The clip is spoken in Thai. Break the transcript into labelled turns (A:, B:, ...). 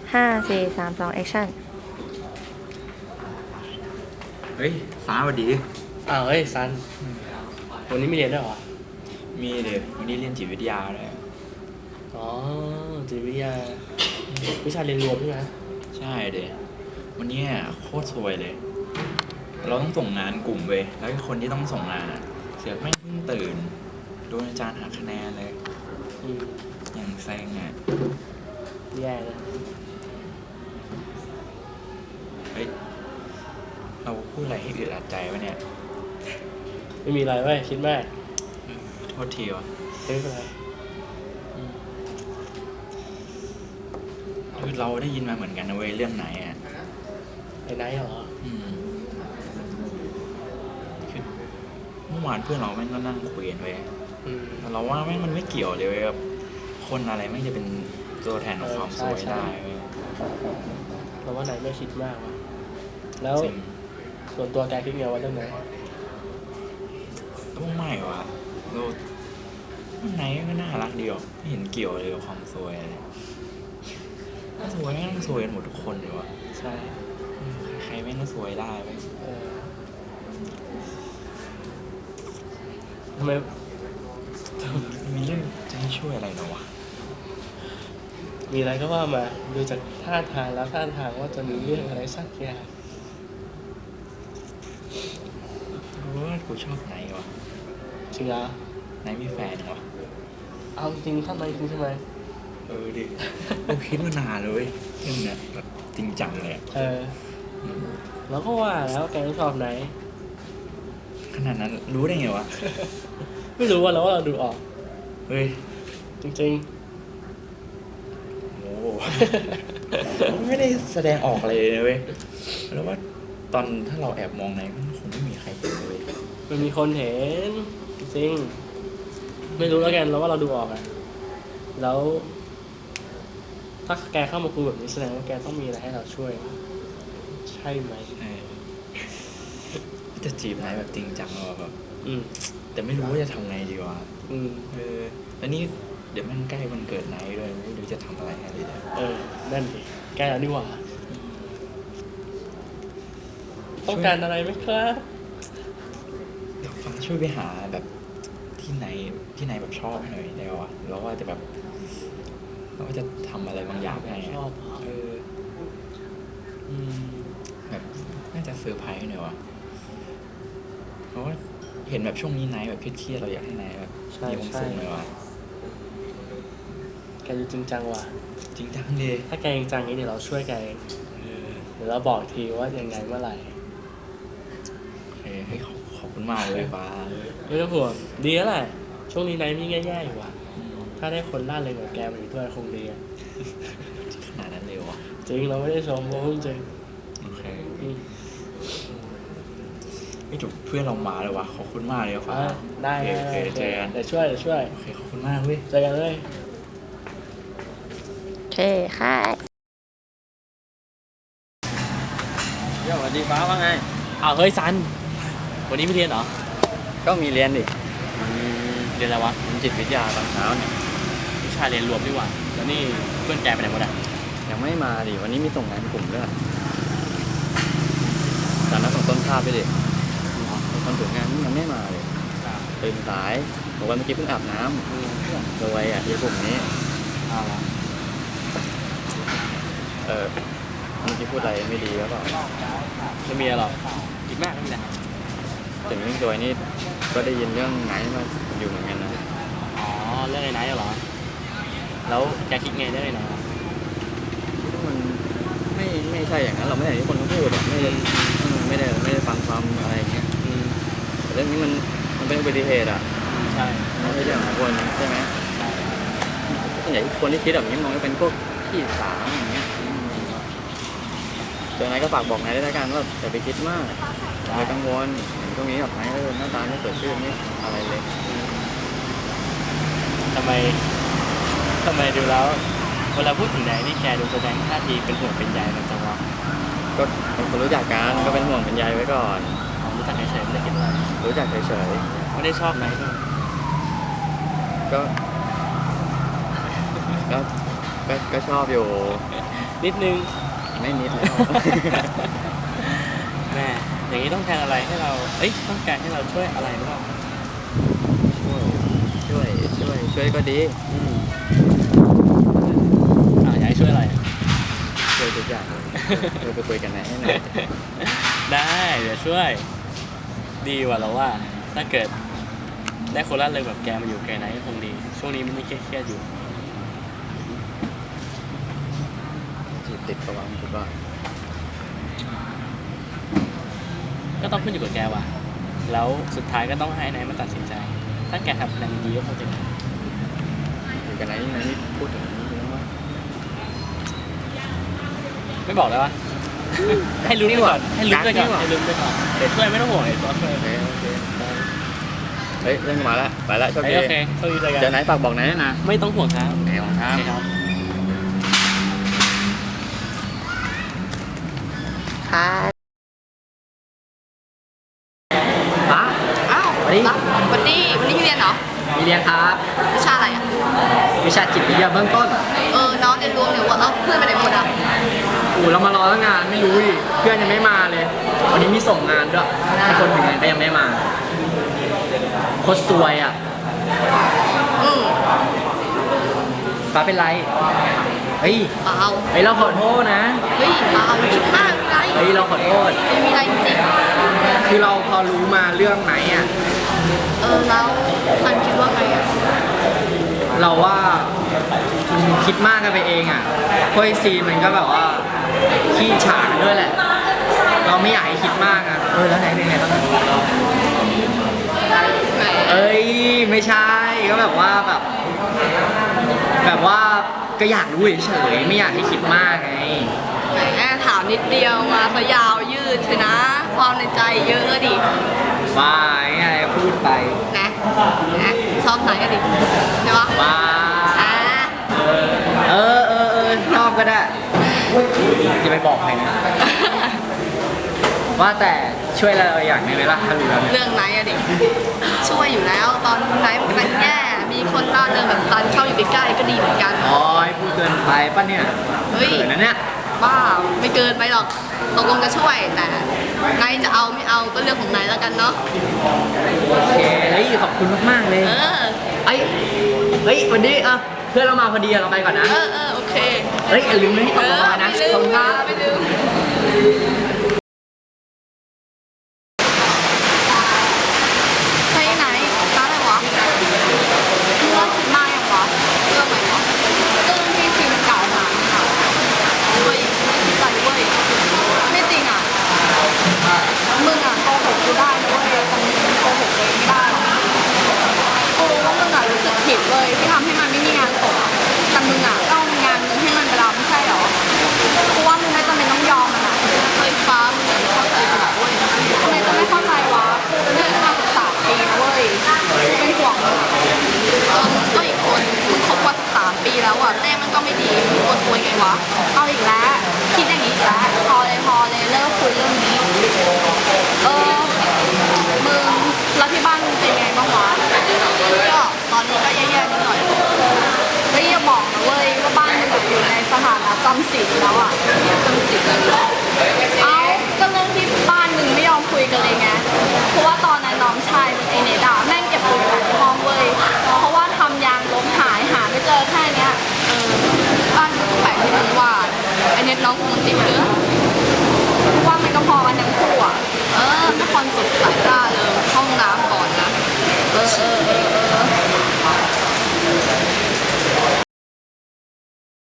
A: 5 4 3 2 action
B: เฮ้ยฟ้าสวัสดี
C: เฮ้ยซันวันนี้ไม่เรียนด้วยเหรอ
B: มีเด็กวันนี้เรียนจิตวิทยาเลย
C: อ๋อจิตวิทยาวิชาเรียนรวมใช่ไหม
B: ใช่เด็กวันนี้โคตรซวยเลยเราต้องส่งงานกลุ่มเว้ยแล้วคนที่ต้องส่งงานเสือกไม่เพิ่งตื่นโดนอาจารย์หักคะแนนเลยอย่างแซง
C: แย่เลย
B: เฮ้ยเราพูดอะไรให้อึดอัดใจวะเนี่ย
C: ไม่มีอะไรเว้ยคิดมาก
B: โทษทีวะ
C: ไม่เป็นไร
B: คือเราได้ยินมาเหมือนกันนะเว้ยเรื่องไหน
C: ไอ้ไหนเหรอ
B: คือเมื่อวานเพื่อนเราแม่งก็นั่งคุยกันเว้ยแต่เราว่าแม่งมันไม่เกี่ยวเลยเว้ยแบบคนอะไรไม่จะเป็นตัวแทนของความสวยได้เว้ย
C: เราว่าไหนไม่คิดมากวะแล้วส่วนตัวแกคิดไงว่าเรื่องไหน
B: ก็ไม่วะเราไหนก็น่ารักดีอ่ะไม่เห็นเกี่ยวเลยกับความสวยเลยถ้าสวยต้องสวยกันหมดทุกคนเลยวะ
C: ใช่
B: ใครไม่ก็สวยได้ไหม
C: ทำไม
B: มีเรื่องจะให้ช่วยอะไรเหรอวะ
C: มีอะไรก็ว่ามาดูจากท่าทางแล้วท่าทางว่าจะมีเรื่องอะไรสักอย่าง
B: กูชอบไหนวะ
C: จริงเหรอ
B: ไหนมีแฟนวะ
C: เอาจริงท่านไหนจริงใช่ไหม
B: ดิกูคิดมานานเลยเรื่องเนี้ยแบบจริงจังเลย
C: แล้วก็ว่าแล้วแกชอบไหน
B: ขนาดนั้นรู้ได้ไงวะ
C: ไม่รู้ว่าเราดูออก
B: เฮ้ย
C: จริง
B: ๆโอ้ไม่ได้แสดงออกอะไรเลยเว้ยแล้วว่าตอนถ้าเราแอบมองในมันคงไม่มีใครเห็นเลย
C: มันมีคนเห็นจริงไม่รู้แล้วกันเราว่าเราดูออกแล้วถ้าแกเข้ามาคุยแบบนี้แสดงว่าแกต้องมีอะไรให้เราช่วยใช่ไหม
B: จะจีบนายแบบจริงจังหรอแบบแต่ไม่รู้ว่าจะทำไงดีวะแล้วนี่เดี๋ยวมันใกล้วันเกิดนายด้วยไม่รู้จะทำอะไรให้เลย
C: นั่นดิใกล้แล้วนี่หว่าต้องการอะไรไหมครับ
B: เดี๋ยวฟ้าช่วยไปหาแบบที่ไหนแบบชอบหน่อยได้วะแล้วว่าจะแบบเราก็จะทำอะไรบางอย่างให้
C: ชอบ
B: แบบน่าจะเซอร์ไพรส์หน่อยวะเพราะว่าเห็นแบบช่วงนี้ไนท์แบบเครียดๆเราอยากให้ไนท์แบบมีความสุขหน่อยวะ
C: แกจริงจังว่ะ
B: จริงจังดิ
C: ถ้าแกจริงจังนี้เดี๋ยวเราช่วยแกเดี๋ยวเราบอกทีว่ายังไงเมื่อไหร่
B: ให้ขอบคุณมากเลยป้า
C: ไม่ต้องห่วงดีแล้วแหละช่วงนี้ไนท์มีแย่ๆอยู่ว่ะถ้าได้คนล่าเลยแบบแกมาอยู่ด้วยคงดี
B: ขนาดนั้นเลยวะ
C: จริงเราไม่ได้ชมเพราะจริง
B: โอเคไม่ถูกเพื่อนเรามาเลยวะขอบคุณมากเลยฟ้า
C: ได้เจอกันเดี๋ยวช่วย
B: โอเคขอบคุณมากเว้ย
C: เจอกันเลย
A: โอเคค่ะ
D: สวัสดีฟ้าว่าไง
C: เฮ้ยซันวันนี้ไม่เรียนเหรอ
D: ก็มีเรียนดิ
C: เรียนอะไรวะ
D: จิตวิทยาตอนเช้าเนี่ย
C: วิชาเรียนรวมดีกว่าแล้วนี่เพื่อนแกไปไหนหมด
D: ยังไม่มาดิวันนี้มีส่งงานกลุ่มด้วยตอนนั้นส่งต้นภาพไปดิตอนถึงงานยังไม่มาเลยตื่นสายบอกว่าเมื่อกี้เพิ่งอาบน้ำโดยที่กลุ่มนี้เมื่อกี้พูดอะไรไม่ดีหรือเปล่า
C: ไม่มีหรอกคิดมากไม่มีอะไร
D: ถึงเรื่องโดยนี่ก็ได้ยินเรื่องไหนมาอยู่เหมือนกันนะ
C: เรื่องไอ้ไหนเหรอแล้วแกคิดไงได้ไหน
D: มันไม่ใช่อย่างนั้นเราไม่ได้ที่คนเขาพูดไม่ได้ฟังความอะไรอย่างเงี้ยแต่เรื่องนี้มันเป็นอุบัติเหตุ
C: ใช่
D: ไม่ใช่เรื่องของคนใช่ไหมส่วนใหญ่คนที่คิดแบบนี้มองว่าเป็นพวกขี้สาวอย่างเงี้ยเจอไหนก็ฝากบอกไหนได้แล้วกันว่าอย่าไปคิดมากอย่าไปกังวลตรงนี้แบบไหนหน้าตาไม่เกิดขึ้นนี่อะไรเลย
C: ทำไมดูแล้วเวลาพูดถึงไหนนี่แกดูแสดงท่าทีเป็นห่วงเป็นใยมันจังวะ
D: ก็เป็นคนรู้จักกันก็เป็นห่วงเป็นใยไว้ก่อน
C: รู้จักเฉยๆไม่ได้คิดอะไร
D: รู้จักเฉย
C: ๆไม่ได้ชอบไหน
D: ก็ชอบอยู่
C: นิดนึง
D: ไม่นิดแล้ว
C: แม่อย่างนี้ต้องการอะไรให้เราต้องการให้เราช่วยอะไรหรือเปล่า
D: ช่วยก็ดี
C: อยากให้ช่วยอะไร
D: ช่วยทุกอย่างเลยเราไปคุยกันไหนให้หน่อย
C: ได้เดี๋ยวช่วยดีกว่าเราว่า ถ้าเกิดได้คนละเลยแบบแกมาอยู่แกไหนก็คงดี ช่วงนี้มันไม่เครียดๆอยู่
D: จีบติดประวังคิดว่า
C: ก็ต้องขึ้นอยู่กับแกว่ะแล้วสุดท้ายก็ต้องให้นายมาตัดสินใจ ถ้าแกทำคะแนนดีก็คงจะดี
D: อยู่กันไหนนี่พูดถึงนี้เยอะมาก
C: ไม่บอกแล้ววะ ให้ลุ้นไปก่อนให้ลุ้นไปก่อน
D: กักนี่หว่า
C: ให้ลุ้นไปก่อนเดี๋ยวช่วยไม่ต้องห่วงเดี๋ยวช่วย
D: โอเคเฮ้ยเรื่องมาแล้วไปแล้วโชคดี
C: โอเคโชคดีเลยกัน
D: เดี๋ยวไหนฝากบอกไหนนะ
C: ไม่ต้องห่วงครับ
D: ไหนของครับ
C: โอเคครับ
A: ป้า
E: อ้าว
A: วันนี้
E: วันนี้ที่เรียนเหรอ
A: มีเรียนครับ
E: วิชาอะไรอ่ะ
A: วิชาจิตวิทยาเบื้องต้น
E: น้องเรียนรวมเนี่ยว่าเพื่อนไปไหนหมดอ่ะ
A: เรามารอตั้งนานไม่รู้ดิเพื่อนยังไม่มาเลย วันนี้มีส่งงานด้วยแต่คนถึงงานก็ยังไม่มาโคตรซวยอ่ะ
E: อืม
A: ป้าเป็นไรเฮ้ย
E: เปล่า
A: เราขอโทษนะ
E: เฮ้ยเปล่าคิดมากมีอะไร
A: เราขอโทษ
E: ไม่มีอะไรจริง
A: คือเราพอรู้มาเรื่องไหนอ่ะ
E: แล้วซันคิดว่าไงอ่ะ
A: เราว่าคิดมากกันไปเองอ่ะเพราะไอซีนมันก็แบบว่าขี้ฉากันด้วยแหละ เราไม่อยากให้คิดมากอ่ะแล้วไหนเป็นไงบ้าง
E: แหม
A: ไม่ใช่ก็แบบว่าแบบว่าก็อยากรู้เฉยๆไม่อยากให้คิดมากไง
E: แหมถามนิดเดียวมาซะยาวยืดเลยนะ ความในใจเยอะดิ
A: ว่าไงพูดไป
E: นะชอบไหนกันดิใช่ปะ
A: ว่า
E: อ่า
A: ชอบก็ได้จะไปบอกใครนะว่าแต่ช่วยเราอย่างหนึงไหมล่ะถ้ารู้แล้วเนี่ย
E: เรื่องไหนอะดิช่วยอยู่แล้วตอนไหนมันกำลังแย่มีคนล่าเริงแบบซันเข้าอยู่ใกล้ๆก็ดีเหมือนกัน
A: อ๋อพูดเกินไปป่ะเนี่ย
E: เฮ้ย
A: เขินนะเนี่ย
E: บ้าไม่เกินไปหรอกตกลงจะช่วยแต่นายจะเอาไม่เอาก็เรื่องของนายแล้วกันเนาะ
A: โอเคขอบคุณมากๆเลย เฮ้ยวันนี้เพื่อนเรามาพอดีเราไปก่อนนะ
E: โอเค
A: อย่าลืมนะที่ตกลงมานะ
E: ไม่ลื
A: ขอบ
E: ม
A: คุณครับ
E: ไม่ลืมไปไหนร้านอะไรวะมึงเลิกคิดมากยังวะเรื่องอะไรวะเรื่องที่ฟิล์มเก่าหาค่ะเว้ยไม่คิดอะไรเว้ยไม่จริงอ่ะมึงอ่ะโกหกกูได้นะเว้ยแต่มึงโกหกตัวเองไม่ได้หรอกกูรู้ว่ามึงอ่ะรู้สึกผิดเลยที่ทำให้มันไม่มีงานศพอะแต่มึงอ่ะก็เอางานมึงให้มันไปรับไม่ใช่เหรอกูว่ามึงไม่จำเป็นต้องยอมมันอ่ะเฮ้ยฟ้ามึงอ่ะเข้าใจกูหน่อยเว้ยทำไมจะไม่เข้าใจวะกูเป็นเพื่อนกันมา13 ปีนะเว้ยกูเป็นห่วงมึงอะก็อีกคนมึงคบมา13 ปีแล้วอ่ะแม่มันก็ไม่ดีมึงควรคุยไงวะเอาอีกแล้วคิดอย่างนี้อีกแล้วพอเลยเลิกคุยเรื่องนี้มึงแล้วที่บ้านมึงเป็นไงบ้างวะก็ตอนนี้ก็แย่ๆนิดหน่อยแล้วอย่าบอกนะเว้ยว่าบ้านมึงอยู่ในสถานะจำศีลแล้วอ่ะจำศีลเลยก็เรื่องที่บ้านมึงไม่ยอมคุยกันเลยไงเพราะว่าตอนนั้นน้องชายมึงไอเนดาแม่งเก็บปืนไว้ในห้องเว้ยเพราะว่าทำยางล้มหายหาไม่เจอแค่เนี้ยบ้านมึงแปลกที่มึงว่าไอเน็ตน้องกูมันติดเชื้อว่ามันก็พอกันทั้งคู่อ่ะนครสดใสแต่